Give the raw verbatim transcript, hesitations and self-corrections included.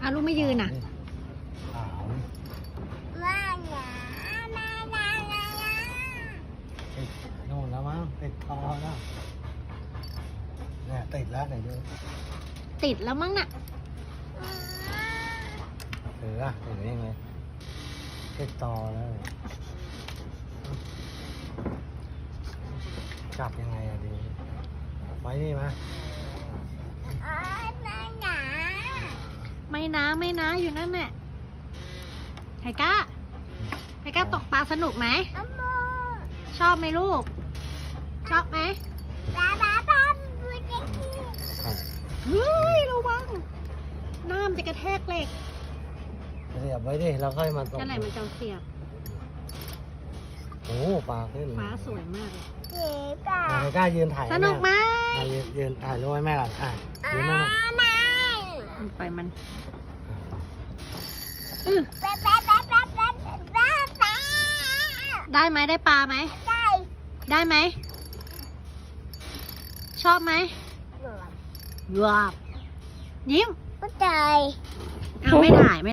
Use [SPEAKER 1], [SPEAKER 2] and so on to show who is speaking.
[SPEAKER 1] อ้าวลูกไม่ยืนอ่ะ
[SPEAKER 2] ขาว
[SPEAKER 3] มาหนามาหนาหนา
[SPEAKER 2] ติดโน่นแล้วมั้งติดคอแล้วเนี่ยติดแล้วไหนดู
[SPEAKER 1] ติดแล้วมั้งน่ะ
[SPEAKER 2] ถืออะถือยังไงติดต่อแล้วจับยังไงอะดีไว้นี่มา
[SPEAKER 3] อ๋อมาหนา
[SPEAKER 1] ไม่นะไม่นะอยู่นั่นแหละไทก้าไทก้าตกปลาสนุกไหม
[SPEAKER 3] อโม
[SPEAKER 1] ชอบไหมลูก ชอบไหม
[SPEAKER 3] บ้าบ้าบ้าบุญกี้
[SPEAKER 2] ครับ
[SPEAKER 1] เฮ้ยระวังน้ำจะกระแทกเหล็ก
[SPEAKER 2] เสียบไว้ดิเราค่อยมาตก
[SPEAKER 1] นั่นแหละมันจะเสียบ
[SPEAKER 2] โอ้ปลาขึ้น
[SPEAKER 1] ฟ้าสวยมากเลย
[SPEAKER 3] เจ็บอ่ะ
[SPEAKER 2] อ่ะไม่กล้ายืนถ่าย
[SPEAKER 1] สนุกไหม
[SPEAKER 2] อ่ะยืนยืนถ่ายรูปให้แม่ก่อนอ่ะ
[SPEAKER 3] อ๋
[SPEAKER 2] ยืน
[SPEAKER 3] อ
[SPEAKER 2] แม่
[SPEAKER 3] ไม่
[SPEAKER 1] ไปมันอื้อ
[SPEAKER 3] บ้าบ้าบ้าบ้าบ้าบ้าบ้า
[SPEAKER 1] ได้ไหมได้ปลาไหม
[SPEAKER 3] ได้
[SPEAKER 1] ได้ไหม ชอบไหมว้าวยิ้ม
[SPEAKER 3] ก็ได้
[SPEAKER 1] เอาไม่ถ่ายไม่